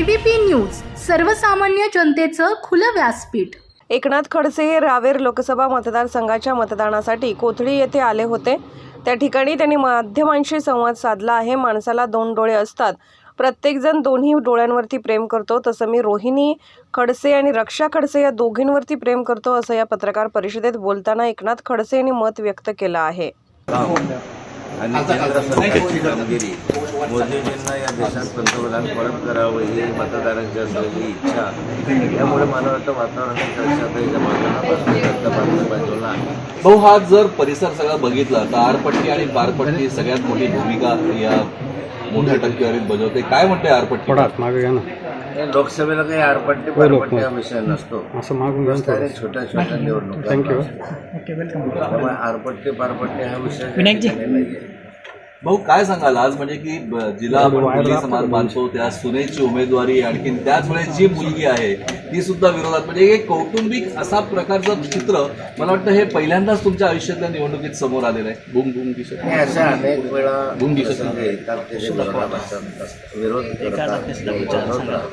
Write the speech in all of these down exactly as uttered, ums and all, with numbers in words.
ABP news, सर्वसामान्य जनतेचं खुलं व्यासपीठ। एकनाथ खडसे हे रावेर लोकसभा मतदारसंघाच्या मतदानासाठी कोथळी येथे आले होते। त्या ठिकाणी त्यांनी माध्यमांशी संवाद साधला आहे। माणसाला दोन डोळे असतात, प्रत्येकजण दोन्ही डोळ्यांवरती प्रेम करतो, तसं मी रोहिणी खडसे आणि रक्षा खडसे या दोघींवरती प्रेम करतो, असं या पत्रकार परिषदेत बोलताना एकनाथ खडसे यांनी मत व्यक्त केलं आहे। आणि केंद्र सरकारची कामगिरी मोदीजींना या देशात पंतप्रधान परत करावं ही मतदारांची असलेली इच्छा, त्यामुळे मला वाटतं वातावरणात चर्चाच्या बाजूला आहे। भाऊ, हा जर परिसर सगळा बघितला तर आरपट्टी आणि पारपट्टी सगळ्यात मोठी भूमिका या मोठ्या टक्केवारीत बजावते। काय म्हणते आरपट्टी? मागे घ्या ना। लोकसभेला काही आरपट्टी पारपट्टी हा विषय नसतो, असं मागून घ्या छोट्या छोट्या निवडणुका। थँक्यू। त्यामुळे आरपट्टी पारपट्टी हा विषय नाहीये। भाऊ, काय सांगाल आज, म्हणजे की जिला आपण मुली समाज मानतो त्या सुनेची उमेदवारी, आणखीन त्याच वेळेस जी मुलगी आहे ती सुद्धा विरोधात, म्हणजे एक कौटुंबिक असा प्रकारचं चित्र मला वाटतं हे पहिल्यांदाच तुमच्या आयुष्यातल्या निवडणुकीत समोर आलेलं आहे। बुंग बुंग दिसत हे अशा अनेक वेळा बुंग दिसत येतात ते जे विरोध करतात।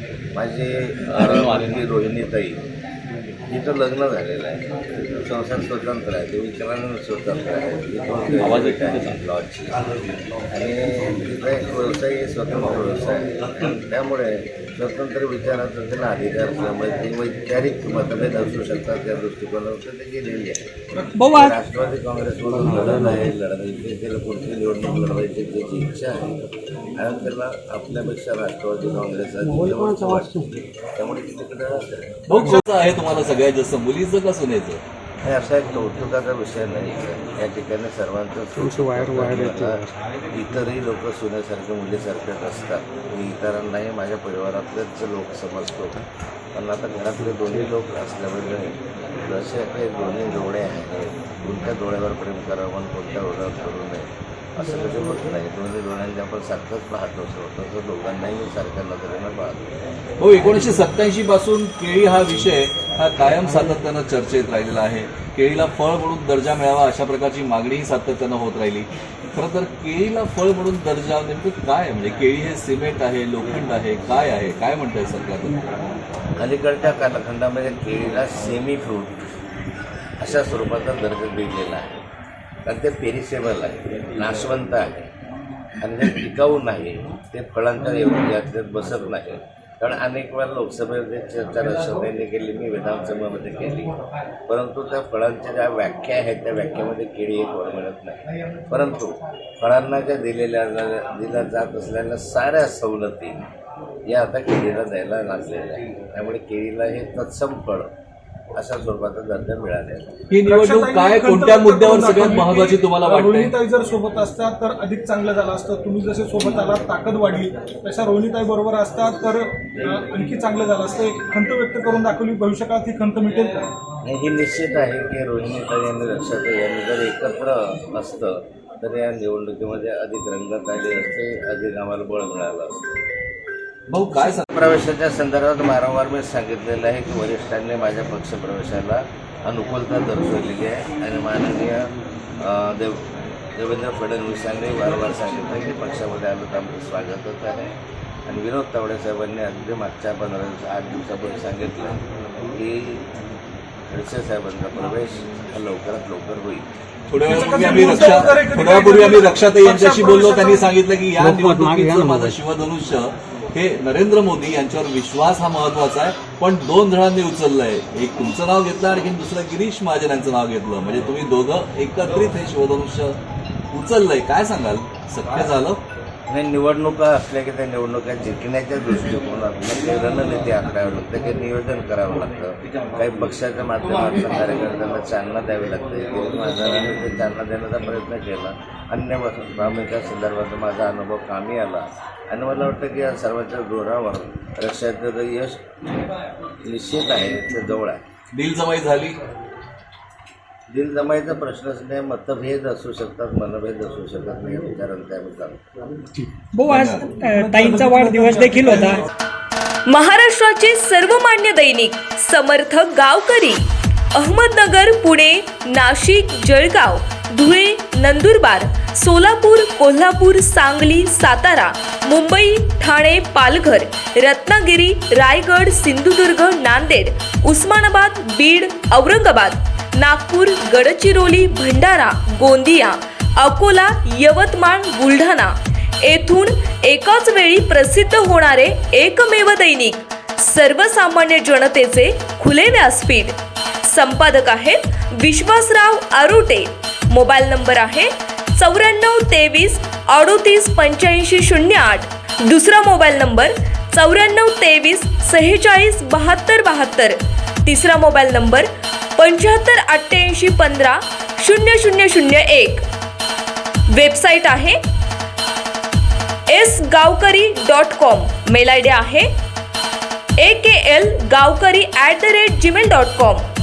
माझी रोहिणीताई, तिचं लग्न झालेलं आहे, संसार स्वतंत्र आहे, ते विचारांना स्वतंत्र आहे, आवाज लॉजची, आणि तिचा एक व्यवसाय स्वतंत्र व्यवसाय आहे। त्यामुळे स्वतंत्र विचाराचा त्यांना अधिकार असल्यामुळे ते वैचारिक मतभेद असू शकतात, त्या दृष्टिकोनातून ते गेलेली आहे। राष्ट्रवादी काँग्रेसमधून लढत आहे, लढत त्याला कोणती निवडणूक लढवायची त्याची इच्छा आहे, आणि त्याला आपल्यापेक्षा राष्ट्रवादी काँग्रेस वाटतो, त्यामुळे तिकडे आहे। तुम्हाला सगळ्यात जास्त मुलीचं का सुनेचं? हे असा एक कौतुकाचा विषय नाही, या ठिकाणी सर्वांचं इतरही लोक सुनेसारखे मुलीसारखेच असतात। मी इतरांनाही माझ्या परिवारातलेच लोक समजतो, पण आता घरातले दोन्ही लोक असल्यामुळे जसे काही दोन्ही डोळे आहेत, कोणत्या डोळ्यावर प्रेम करावं आणि कोणत्या डोळ्यावर करू नये असं कधी होत नाही। दोन्ही डोळ्यांनी आपण सारखंच पाहतो, तसं दोघांनाही मी सारख्या नजरेनं पाहतो। हो, एकोणीसशे सत्त्याऐंशी पासून केळी हा विषय हा कायम सातत्यानं चर्चेत राहिलेला आहे। केळीला फळ म्हणून दर्जा मिळावा अशा प्रकारची मागणीही सातत्यानं होत राहिली। खरं तर केळीला फळ म्हणून दर्जा नेमकं काय आहे? म्हणजे केळी हे सिमेंट आहे, लोखंड आहे, काय आहे, काय म्हणतंय सरकार? अलीकडच्या कालखंडामध्ये केळीला सेमी फ्रूट अशा स्वरूपाचा दर्जा दिलेला आहे, कारण ते पेरिसेबल आहे, नाशवंत आहे, आणि ते टिकाऊ नाही, ते फळांच्या याच्यात बसत नाही। कारण अनेक वेळा लोकसभेमध्ये चर्चा राष्ट्रपतींनी केली, मी विधानसभेमध्ये केली, परंतु त्या फळांच्या ज्या व्याख्या आहेत त्या व्याख्यामध्ये केळी एक फळ मिळत नाही। परंतु फळांना ज्या दिलेल्या दिल्या जात असलेल्या साऱ्या सवलती या आता केळीला द्यायला लागलेल्या आहे, त्यामुळे केळीला हे तत्सम फळ अशा स्वरूपाचा दर्जा मिळाला। ही निवडणूक काय, कोणत्या मुद्द्यावर सगळ्यात महत्त्वाची तुम्हाला वाटते? रोहिणीताई जर सोबत असतात तर अधिक चांगलं झालं असतं। तुम्ही जसे सोबत आलात, ताकद वाढली, तशा रोहिणीताई बरोबर असतात तर आणखी चांगलं झालं असतं। एक खंत व्यक्त करून दाखवली, भविष्यकाळात ही खंत मिळेल का? हे निश्चित आहे की रोहिणीताई आणि रक्षाताई यांनी जर एकत्र असतं तर या निवडणुकीमध्ये अधिक रंगत आली असते, अधिक आम्हाला बळ मिळालं असतं। भाऊ, काय सांग प्रवेशाच्या संदर्भात वारंवार मी सांगितलेलं आहे की वरिष्ठांनी माझ्या पक्षप्रवेशाला अनुकूलता दर्शवलेली आहे, आणि माननीय देव देवेंद्र फडणवीसांनी वारंवार सांगितलं की पक्षामध्ये आलं तर आमचं स्वागतच आहे। आणि विनोद तावडे साहेबांनी अगदी मागच्या पंधरा दिवस आठ दिवसापूर्वी सांगितलं की खडसे साहेबांचा प्रवेश हा लवकरात लवकर होईल। थोड्या वेळापूर्वी आम्ही रक्षा थोड्या वेळापूर्वी आम्ही रक्षाताई यांच्याशी बोललो, त्यांनी सांगितलं की या निवडणुकीचं माझं शिवधनुष्य हे नरेंद्र मोदी यांच्यावर विश्वास हा महत्वाचा आहे, पण दोन जणांनी उचललंय, एक तुमचं नाव घेतलं आणि दुसरं गिरीश महाजन यांचं नाव घेतलं, म्हणजे तुम्ही दोघं एकत्रित हे शिवधनुष्य उचललंय। काय सांगाल, शक्य झालं? नाही, निवडणुका असल्या की त्या निवडणुका जिंकण्याच्या दृष्टिकोनातून काही रणनीती आखावी लागते, काही नियोजन करावं लागतं, काही पक्षाच्या माध्यमातून कार्यकर्त्यांना चालना द्यावी लागते। माझा ते चालना देण्याचा प्रयत्न केला, अन्य बाबींच्या संदर्भात माझा अनुभव कामी आला, आणि मला वाटतं की या सर्वांच्या जोरावर रक्षाचं यश निश्चित आहे, ते जवळ आहे। दिलजमाई झाली? दिलजमाईचा प्रश्नच नाही, मतभेद असू शकतात, मनभेद असू शकत नाही, विचारांचा त्यामुळे चालतो। भाऊ, आज ताईंचा वाढदिवस देखील होता। महाराष्ट्राचे सर्वमान्य दैनिक समर्थ गावकरी, अहमदनगर, पुणे, नाशिक, जळगाव धुळे, नंदुरबार, सोलापूर, कोल्हापूर, सांगली, सातारा, मुंबई, ठाणे, पालघर, रत्नागिरी, रायगड, सिंधुदुर्ग, नांदेड, उस्मानाबाद, बीड, औरंगाबाद, नागपूर, गडचिरोली, भंडारा, गोंदिया, अकोला, यवतमाळ, बुलढाणा येथून एकाच वेळी प्रसिद्ध होणारे एकमेव दैनिक सर्वसामान्य जनतेचे खुले व्यासपीठ. संपादक आहेत विश्वासराव आरोटे. मोबाईल नंबर आहे चौऱ्याण्णव तेवीस अडोतीस पंच्याऐंशी शून्य आठ. दुसरा मोबाईल नंबर चौऱ्याण्णव तेवीस सेहेचाळीस बहात्तर बहात्तर. तिसरा मोबाईल नंबर पंच्याहत्तर अठ्ठ्याऐंशी पंधरा शून्य शून्य शून्य एक. वेबसाईट आहे S Gavkari dot com. Mail I D आहे A K L Gavkari at the rate Gmail dot com.